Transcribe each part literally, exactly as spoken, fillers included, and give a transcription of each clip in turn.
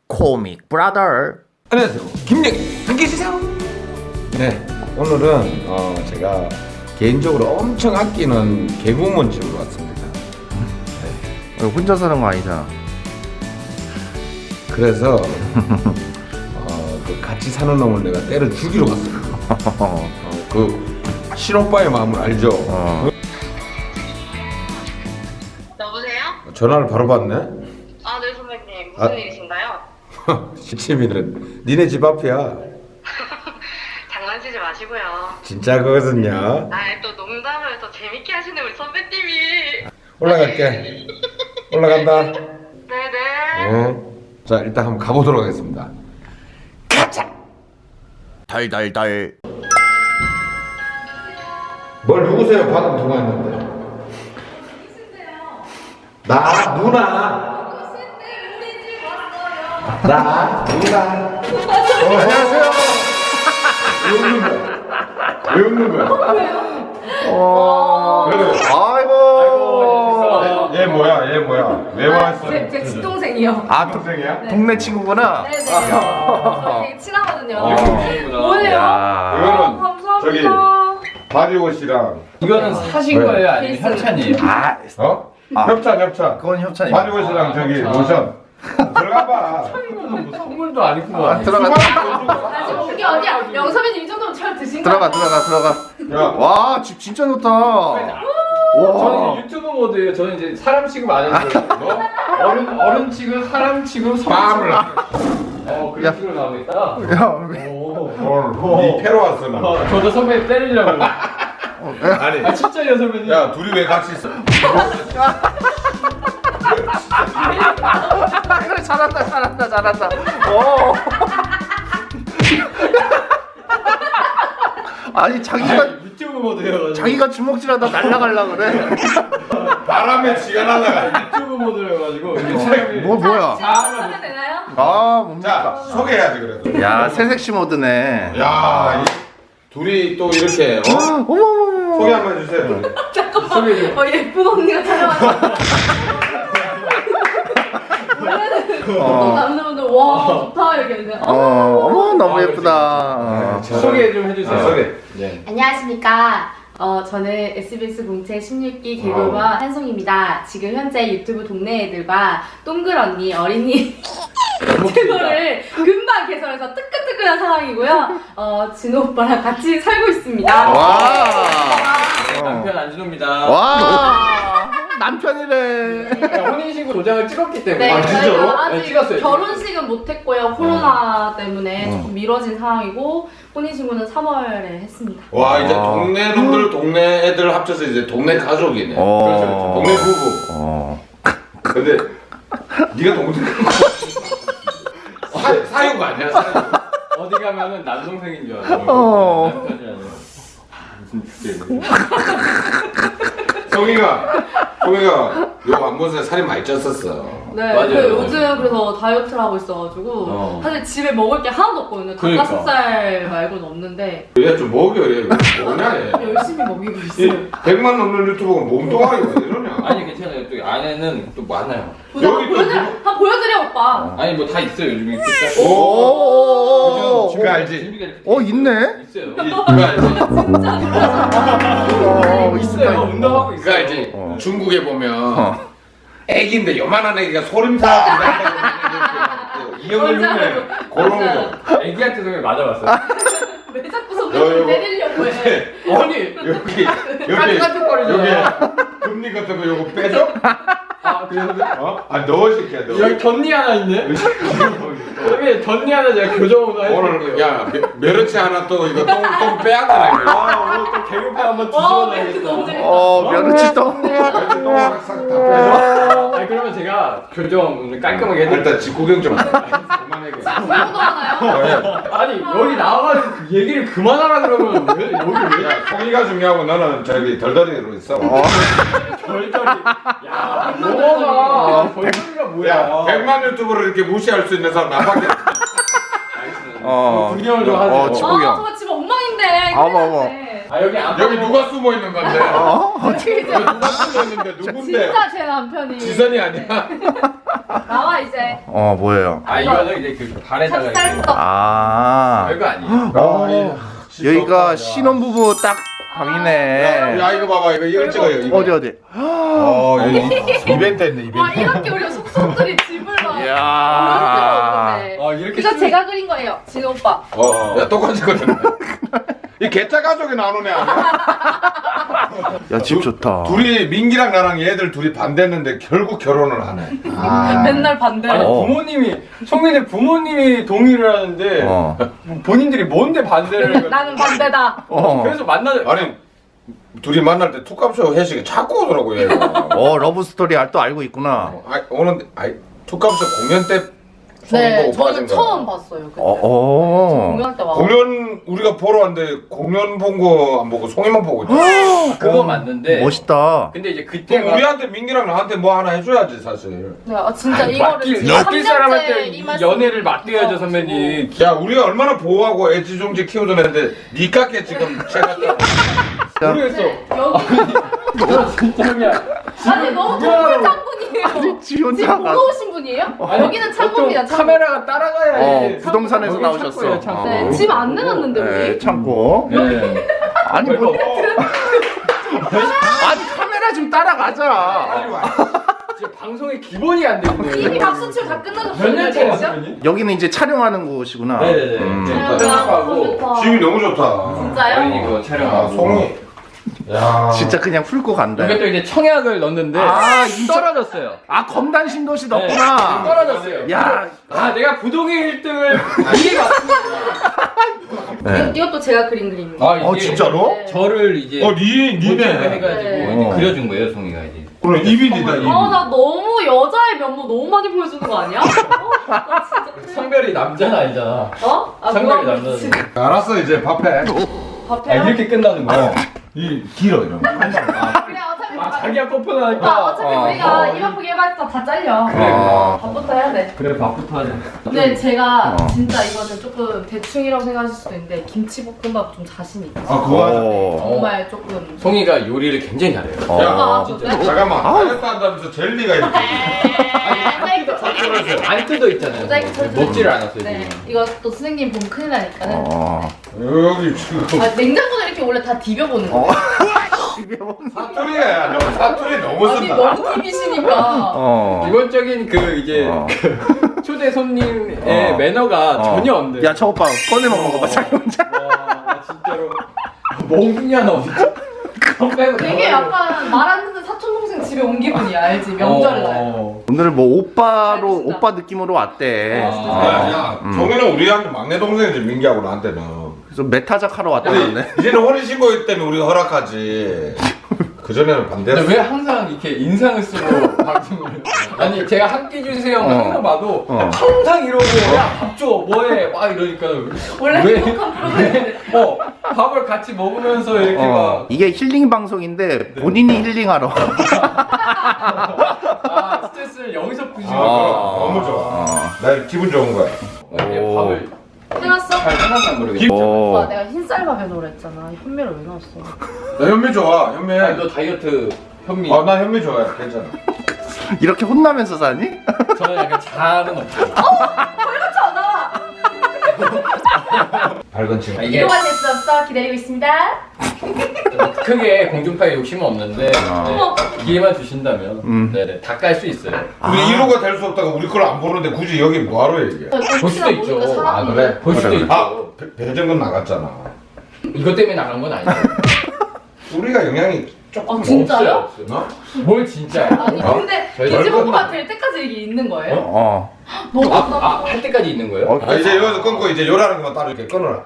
코믹 브라더. 안녕하세요, 김영희 함께 해주세요. 네, 오늘은 어, 제가 개인적으로 엄청 아끼는 개구먼 집으로 왔습니다. 네. 혼자 사는 거 아니잖아. 그래서 어, 그 같이 사는 놈을 내가 때려 죽이러 왔습니다. 어, 그 신오빠의 마음을 알죠? 어. 여보세요? 전화를 바로 받네. 아, 네 선배님 무슨 아. 일이신가요? 시치미는 니네 집 앞이야. 장난치지 마시고요. 진짜 그거거든요. 아, 또 농담을 더 재밌게 하시는 우리 선배님이. 올라갈게. 올라간다. 네네. 어. 자, 일단 한번 가보도록 하겠습니다. 가자. 달달달. 뭘 누구세요? 방금 통화했는데. 나 누나. 나 누나. 어, 안녕하세요. 왜 웃는 거야? 왜 웃는 거야? 어. 그래. 아이고. 얘, 얘 뭐야? 얘 뭐야? 왜 왔어? 제, 제 친동생이요. 아, 동, 동생이야? 동네 친구구나. 네네. 저 되게 친하거든요. 어. 뭐예요? 야. 이거는 감사합니다. 저기 바디워시랑 이거는 사신 왜? 거예요? 아니면 케이스로. 협찬이에요? 아, 어? 아. 협찬 협찬. 그건 협찬이. 바디워시랑 저기 로션. 들어가 봐. 이거는 뭐 선물도 아니구만. 아, 들어가. 아, 지금 온 게 어디야? 영선배님 이 정도면 잘 드신 거 들어가 들어가 들어가. 야, 와, 집 진짜 좋다. 저는 와. 이제 유튜브 모드예요. 저는 이제 사람 취급 안 해도 돼요. 너 어른 어른 취급, 사람 취급, 성 빵을. 취급. 어 그런 식으로 나오고 있다. 야, 오. 오늘 니 패러 왔어 나. 어, 저도 선배 때리려고. 아니. 아 진짜요 선배님? 야, 둘이 왜 같이 있어? 그래, 잘한다 잘한다 잘한다. 오. 아니 자기가 아니, 유튜브 모드여가지고. 자기가 주먹질하다 날라갈라 그래. 바람에 지가 날아가. 유튜브 모드여가지고. 이게 사람이- 뭐 뭐야? 자, 하면 되나요? 아, 자, 뭡니까? 소개해야지 그래도. 야, 새색시 모드네. 야, 이 둘이 또 이렇게 어? 어머 어머 소개 어머. 한번 해주세요. 둘이. 소개 좀. 어, 예쁜 언니가 촬영하는 어. 남자분들 와 좋다 얘기했는데 어, 어머 너무 아, 예쁘다. 어. 소개 좀 해주세요. 아, 소개. 네. 안녕하십니까. 어, 저는 에스비에스 공채 십육 기 개그우먼 한송입니다. 지금 현재 유튜브 동네 애들과 동글 언니 어린이 채널을 금방 개설해서 뜨끈뜨끈한 상황이고요. 어, 진호 오빠랑 같이 살고 있습니다. 와. 남편 안진호입니다. 와. 남편이래. 혼인신고 도장을 찍었기 때문에. 네, 아, 진짜로? 저희가 네, 아직 찍었어요. 결혼식은 못했고요. 코로나 때문에 어. 조금 미뤄진 상황이고 혼인신고는 삼월에 했습니다. 와, 이제 와. 동네 놈들, 동네 애들 합쳐서 이제 동네 가족이네. 어. 동네 부부. 어. 근데 네가 동생 사, 사유가 아니야, 사유. 어디 가면은 남동생인 줄 알아요. 어. 남편이 아니라. 무슨 주제예요? 성희가, 성희가 요거 안 본 사이 살이 많이 쪘었어. 네, 맞아요. 그 요즘 그래서 다이어트를 하고 있어가지고 어. 사실 집에 먹을 게 하나도 없거든요. 그러니까. 닭가슴살 말고는 없는데 얘 좀 먹여, 얘. 뭐냐, 얘. 열심히 먹이고 있어요. 이 백만 넘는 유튜버가 몸뚱아리가 왜 이러냐. 아니 괜찮아요. 또 안에는 또 많아요. 보자, 여기 또 보여드려, 누구- 한번 보여드려 오빠. 아니 뭐 다 있어요. 요즘 이렇게 딱. 오. 그거 알지? 준비가 이렇게 어, 있네. 있어요. 그거 알지? 진짜 어, 있어요. 운동하고 그거 있어요. 알지? 어. 중국에 보면 어. 애기인데 요만한 애기가 소림사 이형을 맞아, 눈에 맞아. 그런 맞아. 거. 애기한테 소리 맞아봤어요. 왜 자꾸 너 손가락을 이거- 때리려고 해? 아니 여기 여기 깐깐거리잖아. 여기 금리 같은 거 요거 빼줘? 아 그래서 어? 아 넣어 시켜 넣어. 여기 덧니 하나 있네. 여기 덧니 하나 제가 교정 오늘 오늘 해드릴게요. 야 며- 메르치 하나 또 이거 똥똥 빼앗아라 이거. 아 오늘 또 개그판 한번 와 멘트 너무 뒤집어놔야겠다. 재밌다. 어, 며느치 또. 메르치 똥 싹싹 다 빼줘. 아니 그러면 제가 교정 오늘 깔끔하게 해드릴게요. 일단 집 구경 좀. 그만해. 구경도 하나요? 아니 여기 나와가지고 그 얘기를 그만하라 그러면 왜 여기 왜 야 성의가 중요하고 너는 저기 덜덜이로 있어. 어. 절절히 야 뭐가 절절이가 뭐야. 야 백만 유튜브를 이렇게 무시할 수 있는 사람 나밖에. 어. 구경을 좀 하세요. 어, 집 아 구경. 저거 집 엉망인데. 어머, 어머. 그래. 아 여기 안 여기 누가 숨어 있는 건데? 어? 어떻게 여기 누가 숨어 있는데 누군데? 진짜 제 남편이. 지선이 아니야? 나와 이제. 어 뭐예요? 아 이거는 이제 그 발에다가 이렇게 찹쌀떡. 아 별거 아니에요. 어, 여기가 신혼부부 딱 방이네. 야 이거 봐봐 이거 이거 찍어요. 이거. 어디 어디? 어 여기 이벤트 했네 와 이벤트. 이렇게 우리 속속들이 집을 막. 이야. 아. 어 이렇게 이거 쓰- 제가 그린 거예요, 진호 오빠. 어, 야 똑같이 거든. 이 개짜 가족이 나오는 애 아니야? 야 집 좋다. 둘이 민기랑 나랑 얘들 둘이 반대했는데 결국 결혼을 하네. 아. 맨날 반대. 아니 어. 부모님이 성민의 부모님이 동의를 하는데 어. 본인들이 뭔데 반대를 해가지고. 나는 반대다. 어. 그래서 만나 아니 둘이 만날 때 툭값쇼 회식에 자꾸 오더라고 얘가. 어 러브 스토리 또 알고 있구나. 아, 오는데 아이 툭값쇼 공연 때 네, 보고 저는 빠진 거야. 처음 봤어요. 그때. 어 어. 공연할 때 와. 공연 우리가 보러 왔는데 공연 본 거 안 보고 송이만 보고 있잖아. 그거 맞는데 멋있다. 근데 이제 그럼 그때가 우리한테 민기랑 나한테 뭐 하나 해줘야지 사실. 네, 아 진짜 아니, 이거를 맡길 지금 맡길 삼 사람한테 년째 이 이 말씀 연애를 맡겨야죠 어, 선배님. 야 우리가 얼마나 보호하고 애지중지 키워준 애인데 니 깎게 지금 제가 모르겠어. 여기 진짜 그냥 아니 너무 동물 창군이에요. 지 혼자 지금 가. 보러 오신 분이에요? 아니, 여기는 창고입니다. 보통 창고. 카메라가 따라가야 어 해. 부동산에서 여기 나오셨어. 창고예요, 창고. 어. 네, 집 안 내놨는데 네, 우리. 참고. 네. 아니 뭐. 아니 카메라 좀 따라가자. 지금 방송의 기본이 안 되는데. 이미 박수 치고 다 끝나셨어요. 몇 년째예요, 진짜? 선배님? 여기는 이제 촬영하는 곳이구나. 네네네. 음. 네. 아, 편집하고 너무 집이 좋다. 너무 좋다. 진짜요? 어린이 그거 아 촬영하고. 송이. 야 진짜 그냥 훑고 간다. 여기 또 이제 청약을 넣었는데 아, 진짜? 떨어졌어요. 아 검단 신도시 네, 넣구나. 떨어졌어요. 야. 아 내가 부동의 일 등을 이게 맞습니다. 네. 이것도 제가 그린 그림입니다. 아, 어 진짜로? 네. 저를 이제 어니 모델을 니네. 해가지고 네. 이제 어. 그려준 거예요, 송이가 이제. 그럼 이빈이다 이빈. 아, 나 너무 여자의 면모 너무 많이 보여주는 거 아니야? 어? 나 진짜. 성별이 남자는 아니잖아. 어? 아, 성별이 뭐야, 남자지. 지금 알았어 이제 밥해. 밥해요? 아 이렇게 끝나는 거야. 이 길어 이런 거. 그래, 어차피. 아 자기가 오빠, 뽀뽀하니까. 어차피 어. 우리가 입 아프게 해봤자 다 잘려. 어. 밥부터 해야 돼. 그래 밥부터 하자. 근데 제가 어. 진짜 이거는 조금 대충이라고 생각하실 수도 있는데 김치볶음밥 좀 자신 있어. 아 그거 하자. 어. 정말 조금. 송이가 요리를 굉장히 잘해요. 어. 아, 진짜. 진짜? 잠깐만. 다이어트 한다면서 젤리가 이렇게. 안 뜯어 있잖아요. 모자이크 처리 먹지를 않았어요. 네, 지금. 이거 또 선생님 보면 큰일 나니까는. 어. 여기 지금 아, 냉장고는 이렇게 원래 다 디벼보는 거. 어. 사투리야. 너 사투리 너무 아니 쓴다. 너무 디비시니까. 어. 기본적인 그 이제 어. 초대 손님의 어. 매너가 어. 전혀 없네. 야, 저 오빠 꺼내 먹는 거 봐, 자기 혼자. 와, 나 진짜로 몽둥이야 너 진짜. 그거 빼고 되게 다 약간 말 안 듣는 사촌 동생 집에 온 기분이야, 알지? 명절 날. 어. 오늘 뭐 오빠로 알겠습니다. 오빠 느낌으로 왔대. 아. 야, 야, 음. 정현은 우리한테 막내 동생이지 민기하고 나한테는. 그래서 메타작 하러 근데 왔다는데. 이제는 혼인신고 때문에 우리가 허락하지. 그 전에는 반대했어. 근데 왜 항상 이렇게 인상을 쓰고 방송을 아니 제가 한 끼 주세요 어. 항상 봐도 어. 항상 이러고 야 밥 줘 뭐해 막 이러니까 원래 왜? 행복한 프로그램인데. 어 밥을 같이 먹으면서 이렇게 어. 이게 힐링 방송인데 본인이 힐링하러. 막 아, 스트레스를 여기서 푸시고 아, 너무 좋아. 어. 나 기분 좋은 거야. 이렇게 오. 밥을 해놨어? 잘 해놨나 모르겠어. 오. 오빠 내가 흰쌀밥에 넣으라 했잖아. 현미를 왜 넣었어? 나 현미 좋아. 현미. 아니, 너 다이어트 현미 아, 나 현미 좋아해. 괜찮아. 이렇게 혼나면서 사니? 저는 약간 잘은 없어요. 그렇잖아. 밝은 친구. 아, 이게 이동안 수 없어. 기다리고 있습니다. 크게 공중파에 욕심은 없는데 어. 네, 기회만 주신다면 음. 네네 다 깔 수 있어요. 우리 일 호가 될 수 없다가 우리 걸 안 보는데 굳이 여기 뭐하러 얘기해? 볼 수도 있죠. 아, 그래? 볼 수도 그래, 있죠. 아, 배- 배정근 나갔잖아. 이것 때문에 나간 건 아니에요. 우리가 영향이 조금 아, 진짜요? 없어요, 없어요. 어? 뭘 진짜요? 아니 어? 근데 저희 김치볶음밥 될 때까지 이게 있는 거예요? 어. 너무 아, 답답해. 아, 할 때까지 있는 거예요? 어. 아, 이제 여기서 끊고 이제 요라는 것만 따로 이렇게 끊어라.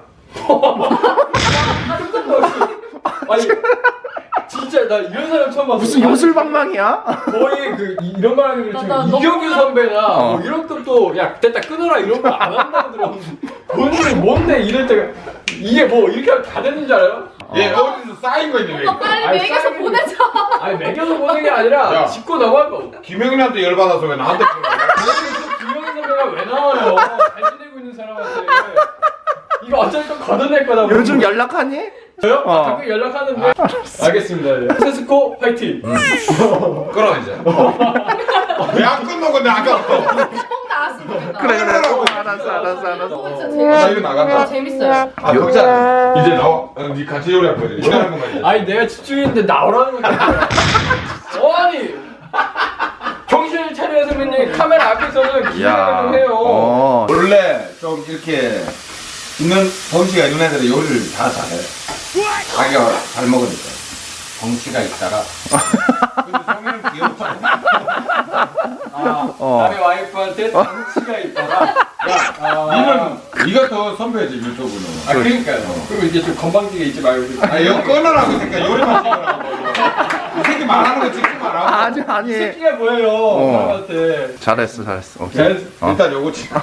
아니, 진짜 나 이런 사람 처음 봤어. 무슨 요술방망이야? 거의 그 이- 이런 말 하는 게 나- 지금 나 너무 이경규 놀라- 선배나 어. 뭐 이런 것도 야 됐다 끊어라 이런 거 안 한다고 들었는데 본인이 뭔데 이럴 때가 이게 뭐 이렇게 하면 다 되는 줄 알아요? 얘 어디서 쌓인 거 있니? 오빠 빨리 아니, 먹여서 쌀이- 보내자. 아니 매겨서 보는 게 아니라 야. 짚고 넘어갈 거. 김영민한테 열받아서 왜 나한테 끊어? 김영규 선배가 왜 나와요? 잘 지내고 있는 사람한테 이거 어차피 또 걷어낼 거다. 요즘 연락하니? 저요? 어. 아, 가끔 연락하는데. 알겠습니다. 네. 세스코 파이팅. 끊어 이제. 왜 안 끝나고 근데 아까부터. 꼭 나왔으면 좋겠다. 그래 그래. 끝내라고. 어, 알았어 알았어 알았어. 어, 진짜 아, 재밌어요. 이거 나간다. 재밌어요. 아, 여기잖아. 이제 나와. 어, 니 같이 요리할 거야. 요리하는 것만 이제. 아니 내가 집중했는데 나오라는 거야. 아니 정신을 차려야 선배님 카메라 앞에서는 기대를 좀 해요. 어. 원래 좀 이렇게 있는 덩치가 있는 애들은 요리를 다 잘해. 자기가 잘 먹으니까. 덩치가 있다가. 근데 성현은 귀엽잖아. 아, 어. 남의 와이프한테 덩치가 있다가 야, 아, 니는 니가 더 선배지 유튜브는. 아 그러니까요. 그리고 이제 좀 건방지게 있지 말고. 아 이거 끊으라고 이 새끼야. 요리만 찍으라고. 이 새끼 말하는 거 찍지 마라. 아니 이 아니. 새끼가 뭐예요? 어. 사람한테. 잘했어 잘했어. 오케이. 잘했어. 어. 일단 요거 찍어.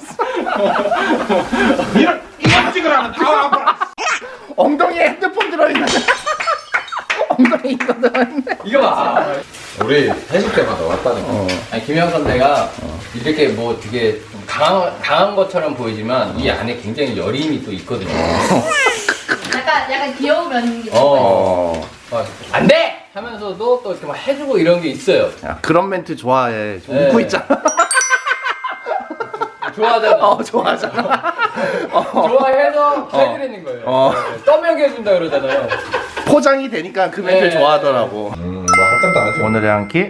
이런 이거 찍으라는 다 아파라. 엉덩이에 핸드폰 들어있는. 엉덩이 이거 들어있네. 이거 봐. 우리 회식 때마다 왔다니까. 어. 아니 김영 선배가 이렇게 뭐 되게 좀 강한, 강한 것처럼 보이지만 이 안에 굉장히 여림이 또 있거든요. 약간 약간 귀여운 면이 있어요. 어. 어. 어, 안 돼! 하면서도 또 이렇게 막 해주고 이런 게 있어요. 야, 그런 멘트 좋아해. 좀 네. 웃고 있잖아. 좋아하잖아. 어 좋아하잖아. 어. 좋아해서 해드리는 거예요. 어. 네, 떠먹여 해준다 그러잖아요. 포장이 되니까 그 멘트 네. 좋아하더라고. 음, 뭐할 것도 안 하죠. 오늘의 한 끼.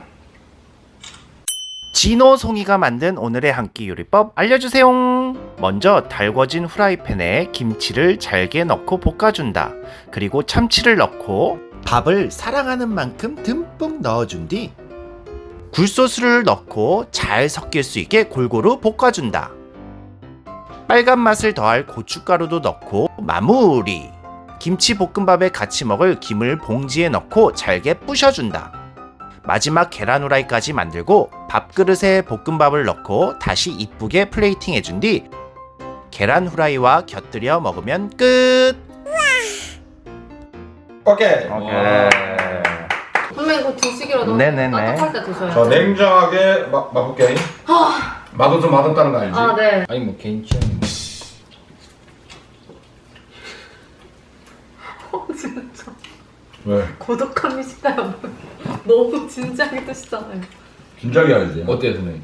진호 송이가 만든 오늘의 한 끼 요리법 알려주세요. 먼저 달궈진 후라이팬에 김치를 잘게 넣고 볶아준다. 그리고 참치를 넣고 밥을 사랑하는 만큼 듬뿍 넣어준 뒤 굴소스를 넣고 잘 섞일 수 있게 골고루 볶아준다. 빨간 맛을 더할 고춧가루도 넣고 마무리. 김치 볶음밥에 같이 먹을 김을 봉지에 넣고 잘게 부셔준다. 마지막 계란 후라이까지 만들고 밥그릇에 볶음밥을 넣고 다시 이쁘게 플레이팅 해준 뒤 계란 후라이와 곁들여 먹으면 끝! 오케이. 선배님 그거 드시기라도 네네네. 따뜻할 때 드셔야죠. 저 냉정하게 마, 맛볼게. 맛없어 맛없다는 거 알지? 아 네. 아니 뭐 개인 취향이 뭐. 어, 진짜 왜? 고독함이 식다요. 너무 진지하게 드시잖아요. 진작에 알지? 어때요 선배님?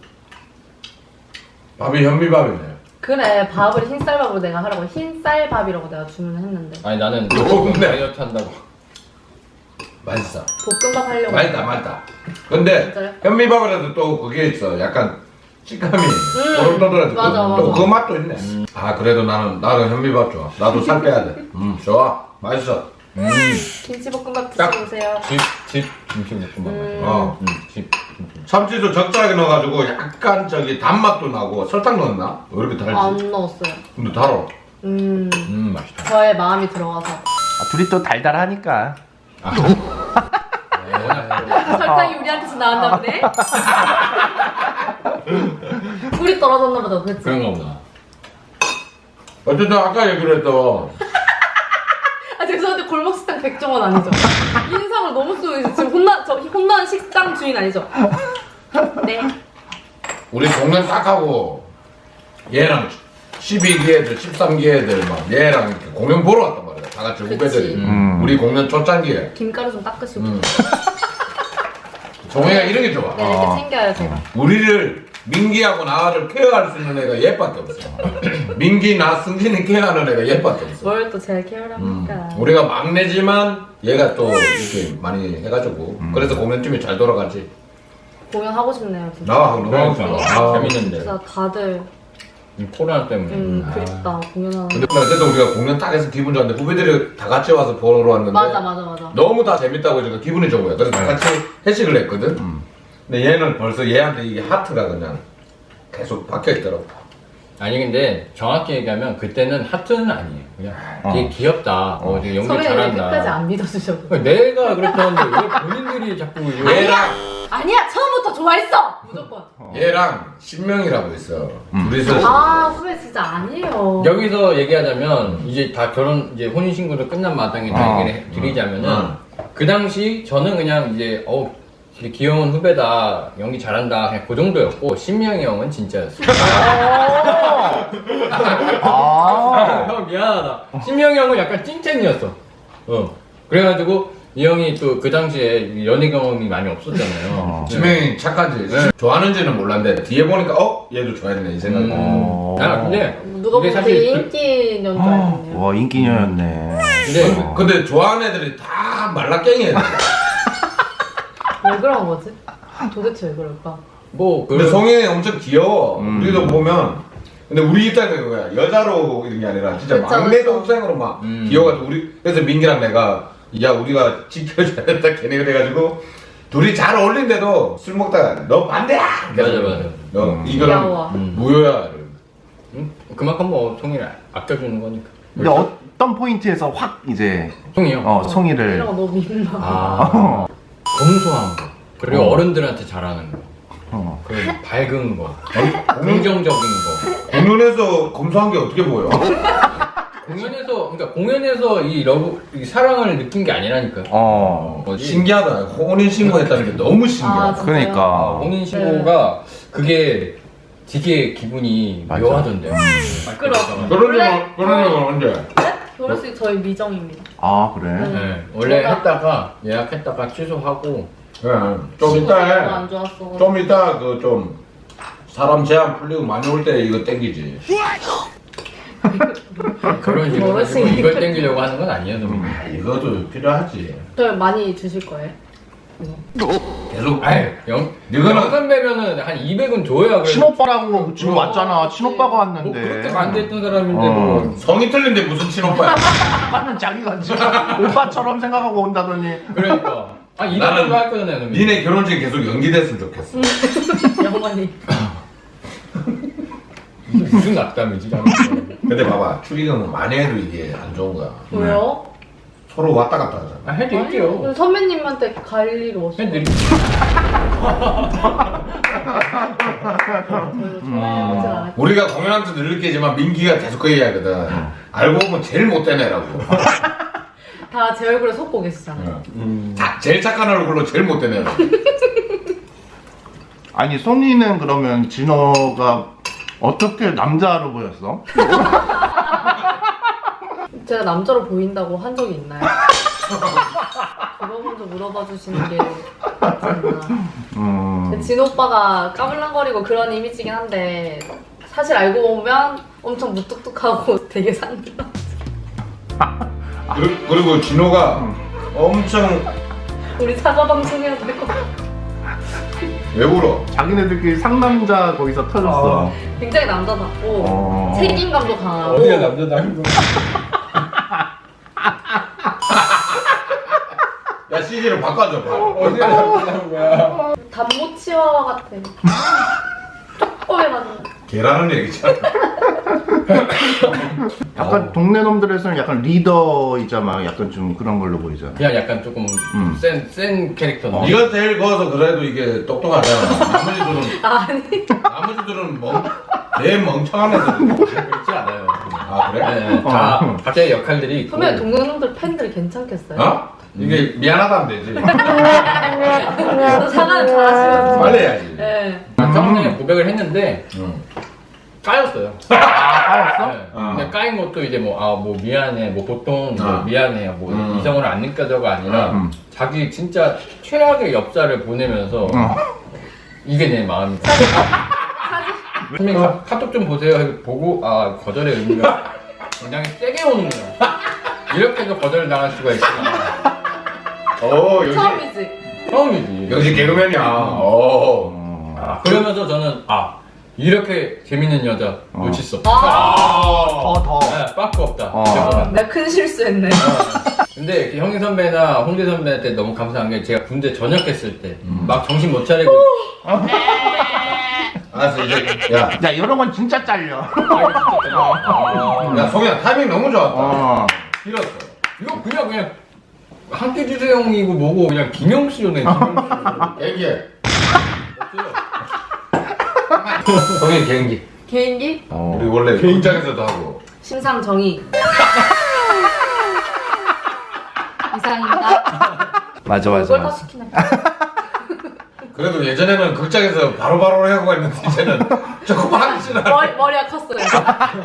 밥이 현미밥이네. 그래 밥을 흰쌀밥으로 내가 하라고 흰쌀밥이라고 내가 주문을 했는데 아니 나는 너무 다이어트 한다고. 맛있어. 볶음밥 하려고. 맛있다 맛있다. 근데 진짜요? 현미밥이라도 또 그게 있어. 약간 식감이 음. 오름떠들어서 맞아, 맞아. 또 그 맛도 있네. 아 그래도 나는 나는 현미밥 좋아. 나도 살 빼야 돼. 음 좋아. 맛있어. 음. 김치볶음밥 딱. 드셔보세요. 집, 집 김치볶음밥. 음. 어. 음, 집 김치. 참치도 적절하게 넣어가지고 약간 저기 단맛도 나고 설탕 넣었나? 왜 이렇게 달지? 안 넣었어요. 근데 달어. 음 음 맛있다. 저의 마음이 들어가서 아, 둘이 또 달달하니까. 설탕이 우리한테서 나왔나 보네. 꿀이 떨어졌나 보다. 그치? 그런가 보다. 어쨌든 아까 얘기를 했던 아 죄송한데 골목 식당 백종원 아니죠? 인상을 너무 쓰고 지금 혼나 저 혼나는 식당 주인 아니죠? 네. 우리 동네 딱 하고 얘랑 십이 기 애들, 십삼 기 애들 막 얘랑 이렇게 공연 보러 왔단 말이야. 다 같이 그치. 후배들이. 음. 우리 공연 초창기에. 김가루 좀 닦으시고. 음. 정혜가 이런 게 좋아. 네 이렇게 챙겨요 제가. 우리를 민기하고 나를 케어할 수 있는 애가 얘밖에 없어. 민기, 나, 승진이 케어하는 애가 얘밖에 없어. 뭘 또 제가 케어를 음. 합니까? 우리가 막내지만 얘가 또 이렇게 많이 해가지고 그래서 공연팀이 잘 돌아가지. 공연하고 싶네요 진짜. 나 너무 하고 싶어. 그러니까. 아. 재밌는데. 진짜 다들 이 코로나 때문에. 음 그립다 공연하는. 근데 어쨌든 우리가 공연 딱 해서 기분 좋았는데 후배들이 다 같이 와서 보러 왔는데 맞아 맞아 맞아. 너무 다 재밌다고 해서 기분이 좋은 거야. 그래서 다 같이 회식을 했거든. 근데 얘는 벌써 얘한테 이게 하트가 그냥 계속 박혀 있더라고. 아니 근데 정확히 얘기하면 그때는 하트는 아니에요. 그냥 되게 귀엽다. 어, 되게 연기 선배님 잘한다. 끝까지 안 믿어주셔도. 내가 그랬다는데 왜 본인들이 자꾸 이거- 얘랑 아니야 처음부터 좋아했어 무조건. 얘랑 신명이라고 있어. 둘이서 아 후배 진짜 아니에요. 여기서 얘기하자면 이제 다 결혼 이제 혼인 신고도 끝난 마당에 다 어. 얘기를 해- 드리자면은 음. 그 당시 저는 그냥 이제 어 되게 귀여운 후배다 연기 잘한다 그냥 그 정도였고 신명이 형은 진짜였어. 아. 형 미안하다. 신명이 형은 약간 찐텐이었어. 어. 그래가지고 이 형이 또 그 당시에 연애 경험이 많이 없었잖아요. 어. 네. 지명이 착하지. 네. 좋아하는지는 몰랐는데 뒤에 보니까 어 얘도 좋아했네 이 생각이. 어. 아 근데 누가 이게 보면 사실 되게 그- 인기녀인 줄 알겠네요. 와 인기녀였네. 근데 어. 근데 좋아하는 애들이 다 말라깽이 애들. 왜 그런 거지? 도대체 왜 그럴까? 뭐 근데 그 성현이 엄청 귀여워. 음. 우리도 보면. 근데 우리 입장에서 그거야. 여자로 이런 게 아니라 진짜 그쵸, 막내 그쵸. 동생으로 막 음. 귀여워가지고 우리 그래서 민기랑 내가 야 우리가 지켜줘야 된다 걔네 그래가지고 둘이 잘 어울린데도 술 먹다가 너 반대야. 맞아, 맞아. 너 음. 이거는 귀여워. 음. 무효야. 음, 그만큼 뭐 송이를 아껴주는 거니까. 근데 어떤 포인트에서 확 이제 송이 형. 어 송이를 이런 거 너무 민망. 아 검소한 거 그리고 어. 어른들한테 잘하는 거. 어. 그리고 밝은 거, 긍정적인 거. 공연에서 검소한 게 어떻게 보여? 공연에서 그러니까 공연에서 이 러브, 이 사랑을 느낀 게 아니라니까. 어. 뭐지? 신기하다. 혼인 신고했다는 게 너무 신기하다. 아, 진짜요? 그러니까 혼인 신고가 그게 되게 기분이 맞아. 묘하던데요. 시끄러. 그런 원래- 적은 그런 적은 언제? 네? 결혼식 저희 미정입니다. 아 그래. 네, 원래 제가- 했다가 예약했다가 취소하고. 네, 좀 이따 너무 해. 안 좋았어. 좀 이따 그 좀 사람 제한 풀리고 많이 올 때 이거 땡기지. 그런 식으로 가지고 멀었으니까. 이걸 땡기려고 하는 건 아니에요, 선배님. 아, 이것도 필요하지. 저 많이 주실 거예요? 계속. 아이, 영, 이거는- 영 선배면은 한 이백은 줘야 그래. 친오빠라고 지금 왔잖아. 친오빠가 뭐 왔는데. 그렇게 반대했던 사람인데 어. 뭐. 성이 틀린데 무슨 친오빠야? 오빠는 자기가 지금 오빠처럼 생각하고 온다더니. 그러니까. 아, 이백은 나는 좋아할 거잖아요, 선배님. 니네 결혼식 계속 연기됐으면 좋겠어. 영원히. 무슨 악담이지, 나는. 근데 봐봐 축의금은 많이 해도 이게 안 좋은 거야. 왜요? 서로 왔다 갔다 하잖아. 아, 해드릴게요. 아니, 선배님한테 갈 일이 없어요. 해드릴게요. 음. 우리가 공연하면서 늘 느끼지만 민기가 계속 그 얘기하거든. 알고 보면 제일 못된 애라고. 다 제 얼굴에 속고 계시잖아요. 음. 자, 제일 착한 얼굴로 제일 못된 애라고. 아니 송이는 그러면 진호가 어떻게 남자로 보였어? 제가 남자로 보인다고 한 적이 있나요? 그거 먼저 물어봐 주시는 게 맞지 않나. 음. 진 오빠가 까불랑거리고 그런 이미지긴 한데 사실 알고 보면 엄청 무뚝뚝하고 되게 상남. 그리- 그리고 진호가 엄청 우리 사과 방송해야 될 것 같아. 왜 울어? 자기네들끼리 상남자 거기서 터졌어. 굉장히 남자답고 어. 책임감도 강하고 어디가 남자다는 거? 야 씨지를 바꿔줘 봐. 어디가 남자다는 거야? 단모 치와와 같아. 쪼꼬매가지고. 개라는 얘기잖아. 약간 동네 놈들에서는 약간 리더이자 막 약간 좀 그런 걸로 보이잖아. 그냥 약간 조금 음. 센, 센 캐릭터인데. 네가 제일 커서 그래도 이게 똑똑하잖아. 나머지들은 아니 나머지들은 멍, 내 멍청한 애들. 그렇지 않아요. 아 그래? 네, 네. 다 어. 각자의 역할들이 있고. 선배 동네 놈들 팬들 괜찮겠어요? 어? 이게 미안하다면 되지. 또 사과는 잘하시거든요. 빨리 해야지. 네. 처음에 고백을 했는데 응. 까였어요. 아, 까였어? 네. 어. 근데 까인 것도 이제 뭐, 아, 뭐 미안해. 뭐 보통 뭐 어. 미안해. 뭐 음. 이성으로 안 느껴져가 아니라 음. 자기 진짜 최악의 엽사를 보내면서 어. 이게 내 마음이다. 선배님 카- 카톡 좀 보세요. 해서 보고 아 거절의 의미가 굉장히 세게 오는구나. 이렇게 해서 거절을 당할 수가 있구나. 오 역시 처음이지. 처음이지. 역시 개그맨이야. 오. 어. 아, 그러면서 저는 아 이렇게 재밌는 여자 어. 놓칠 수 없다. 아. 더 더. 네, 빠꾸 없다. 어. 이거는. 내가 큰 실수했네. 근데 형희 선배나 홍대 선배한테 너무 감사한 게 제가 군대 전역했을 때 막 음. 정신 못 차리고 알았어 이제 야. 야 이런 건 진짜 잘려. 아, 야 송이야 타이밍 너무 좋았다. 어. 길었어. 이거 그냥 그냥 함께 주세요 형이고 뭐고 그냥 김영수네 김영수. 얘기해. 없어요. 송이 개인기. 개인기 우리 원래 극장에서도 하고. 심상정의. 이상입니다. 맞아 맞아 이걸 다 맞아. 시키네. 그래도 예전에는 극장에서 바로바로 하고 했는데 이제는 조금 하기 싫어. 머리, 머리가 컸어요.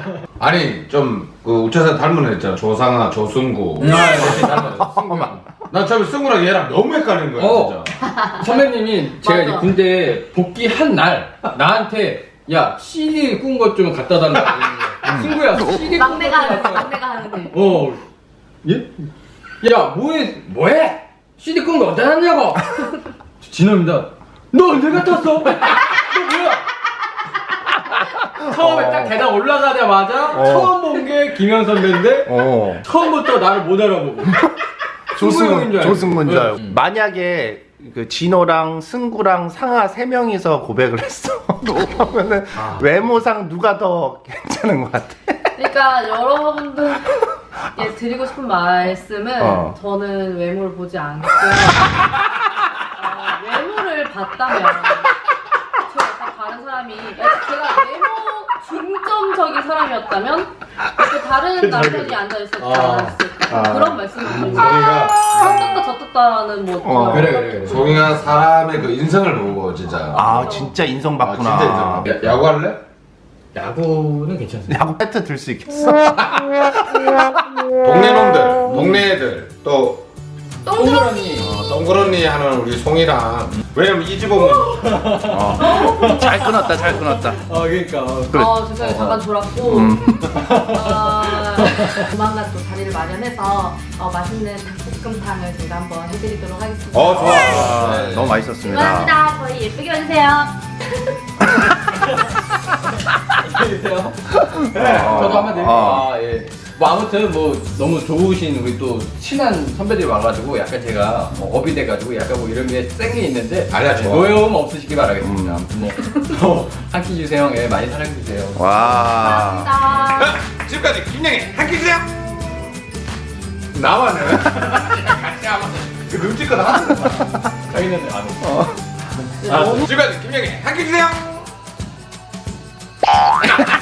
아니 좀 그 우차사 닮은 애 있잖아. 조상아, 조승구. 아, 이렇게 닮았어. 난 처음에 승우랑 얘랑 너무 헷갈리는 거야 어. 진짜. 선배님이 제가 이제 맞아. 군대 복귀한 날 나한테 야 씨디 꾼 것 좀 갖다 달라고 그러는 거야. 친구야 씨디 꾼 막내가 것 좀 하는 갖다 달라고. 막내가 하는 일. 어. 예? 야 뭐해 뭐해? 씨디 꾼 거 어디다 놨냐고? 진호입니다. 너 언제 갔다 왔어? 너 뭐야? 처음에 딱 계단 올라가자마자 어. 처음 본 게 김현 선배인데 어. 처음부터 나를 못 알아보고 조승문 승구형인 줄 알고. 조승문 줄 알고. 응. 만약에 그 진호랑 승구랑 상아 세 명이서 고백을 했어. 그러면은 아. 외모상 누가 더 괜찮은 것 같아? 그러니까 여러분들 예, 드리고 싶은 말씀은 어. 저는 외모를 보지 않고 어, 외모를 봤다면 저 약간 다른 사람이 약간 제가 외모 중점적인 사람이었다면 또 다른 남편이 앉아있었지 아. 않았을까 아. 그런 말씀을 드리고 송이가 저떴다 저떴다는 뭐 어. 그래 그래 그래. 송이가 사람의 그 인성을 보고 진짜. 아 진짜 인성 아, 봤구나. 진짜 인성. 야, 야구할래? 야구는 괜찮습니다. 야구 배트 들 수 있겠어? 동네 놈들, 동네 애들 또 동그라미. 어, 동그런니 하는 우리 송이랑 왜냐면 이 집 오면 어. 잘 끊었다 잘 끊었다. 아 그러니까. 어, 죄송해요. 잠깐 졸았고, 음. 어, 조만간 또 자리를 마련해서 어, 맛있는 닭볶음탕을 제가 한번 해드리도록 하겠습니다. 어 좋아. 아, 네. 너무 맛있었습니다. 고맙습니다. 저희 예쁘게 봐주세요. 해주세요. 어. 저도 한번 드릴게요. 어. 아 예. 뭐 아무튼 뭐 너무 좋으신 우리 또 친한 선배들이 와가지고 약간 제가 뭐 업이 돼가지고 약간 뭐 이런 게 센 게 있는데 아니야, 좋아. 노여움 없으시기 바라겠습니다. 음. 아무튼 뭐 한 끼 주세요. 예, 많이 사랑해 주세요. 와. 감사합니다. 자, 지금까지 김영애 한끼 주세요. 나와는 같이 하면 그 눈치껏 하는 거야. 저희는 안 해. 아, 지금까지 김영애 한끼 주세요.